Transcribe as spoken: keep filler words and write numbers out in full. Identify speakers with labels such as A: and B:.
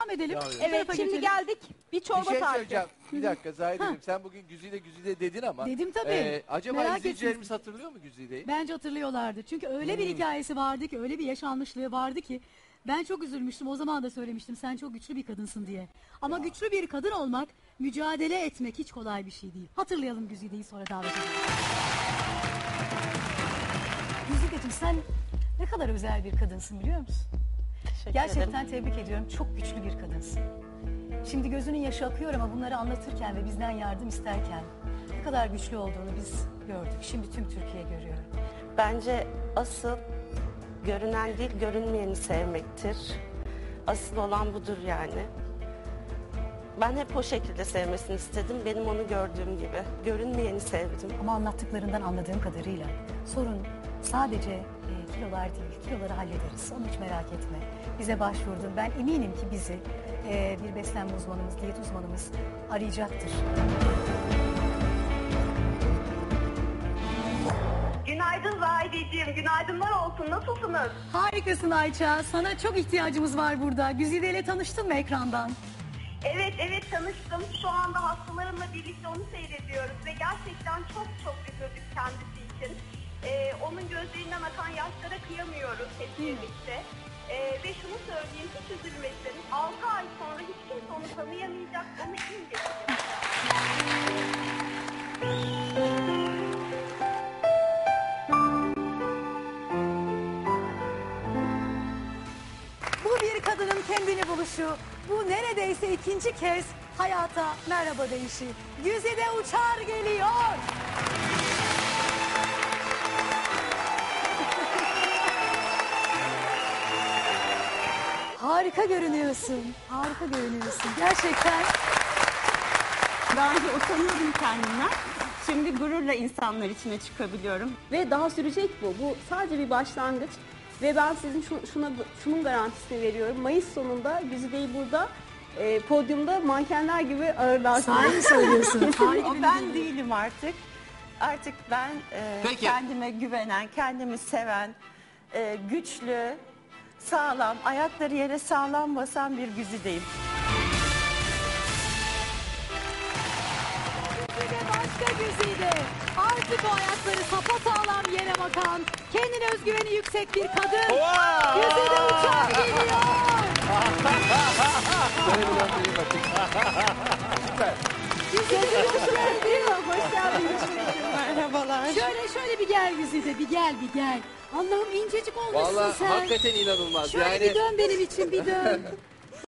A: edelim.
B: Devam edelim.
A: Bu
C: Evet
A: tarafa
C: şimdi
A: geçelim.
C: geldik bir
B: Bir
C: çorba
B: şey
C: tarifi.
B: söyleyeceğim. Bir dakika Zahide'cim sen bugün Güzide Güzide dedin ama.
A: Dedim tabii.
B: e, acaba
A: Merak
B: izleyicilerimiz
A: etsin.
B: hatırlıyor mu Güzide'yi?
A: Bence hatırlıyorlardır. Çünkü öyle bir hikayesi vardı ki, öyle bir yaşanmışlığı vardı ki ben çok üzülmüştüm. O zaman da söylemiştim sen çok güçlü bir kadınsın diye. Ama güçlü bir kadın olmak, mücadele etmek hiç kolay bir şey değil. Hatırlayalım Güzide'yi, sonra davet edelim. Güzide'cim sen ne kadar özel bir kadınsın biliyor musun?
C: Teşekkür
A: Gerçekten
C: ederim.
A: tebrik ediyorum. Çok güçlü bir kadınsın. Şimdi gözünün yaşı akıyor ama bunları anlatırken ve bizden yardım isterken ne kadar güçlü olduğunu biz gördük. Şimdi tüm Türkiye görüyor.
D: Bence asıl görünen değil, görünmeyeni sevmektir. Asıl olan budur yani. Ben hep o şekilde sevmesini istedim. Benim onu gördüğüm gibi. Görünmeyeni sevdim.
A: Ama anlattıklarından anladığım kadarıyla sorun sadece e, kilolar değil. Kiloları hallederiz. Onu hiç merak etme. Bize başvurdun. Ben eminim ki bizi e, bir beslenme uzmanımız, diyet uzmanımız arayacaktır.
E: Günaydın Zahideciğim, günaydınlar olsun. Nasılsınız?
A: Harikasın Ayça. Sana çok ihtiyacımız var burada. Güzide ile tanıştın mı ekrandan?
E: Evet, evet tanıştım. Şu anda hastalarımla birlikte onu seyrediyoruz ve gerçekten çok çok üzüldük kendisi için. Ee, onun gözlerinden akan yaşlara kıyamıyoruz hep birlikte. Ee, ve şunu söyleyeyim, hiç üzülmesin. altı ay sonra hiç kimse onu tanıyamayacak, onu imgelecek.
A: Bu bir kadının kendini buluşu. Bu neredeyse ikinci kez hayata merhaba deyişi. Güzide Uçar geliyor. Harika görünüyorsun. Harika görünüyorsun. Gerçekten.
C: Daha önce utanıyordum kendimden. Şimdi gururla insanlar içine çıkabiliyorum. Ve daha sürecek bu. Bu sadece bir başlangıç. Ve ben sizin şu, şuna, şunun garantisini veriyorum. Mayıs sonunda Güzide'yi burada e, podyumda mankenler gibi ağırlarsınız.
A: Sahi mi söylüyorsun? Harika
F: O
A: bir
F: ben
A: video.
F: değilim artık. Artık ben e,
B: Peki.
F: kendime güvenen, kendimi seven, e, güçlü, sağlam, ayakları yere sağlam basan bir Güzideyim.
A: Güzide başka Güzide. Artık o ayakları sapasağlam yere bakan, kendine özgüveni yüksek bir kadın. Güzide Uçar geliyor.
B: Böyle bir anda iyi bakın. Süper.
A: Güzide Uçar geliyor.
C: Hoş geldiniz.
F: Merhabalar.
A: Şöyle şöyle bir gel Güzide, bir gel bir gel. Allah'ım incecik olmuşsun
B: Vallahi
A: sen.
B: hakikaten inanılmaz.
A: Şöyle
B: Yani
A: bir dön benim için, bir dön.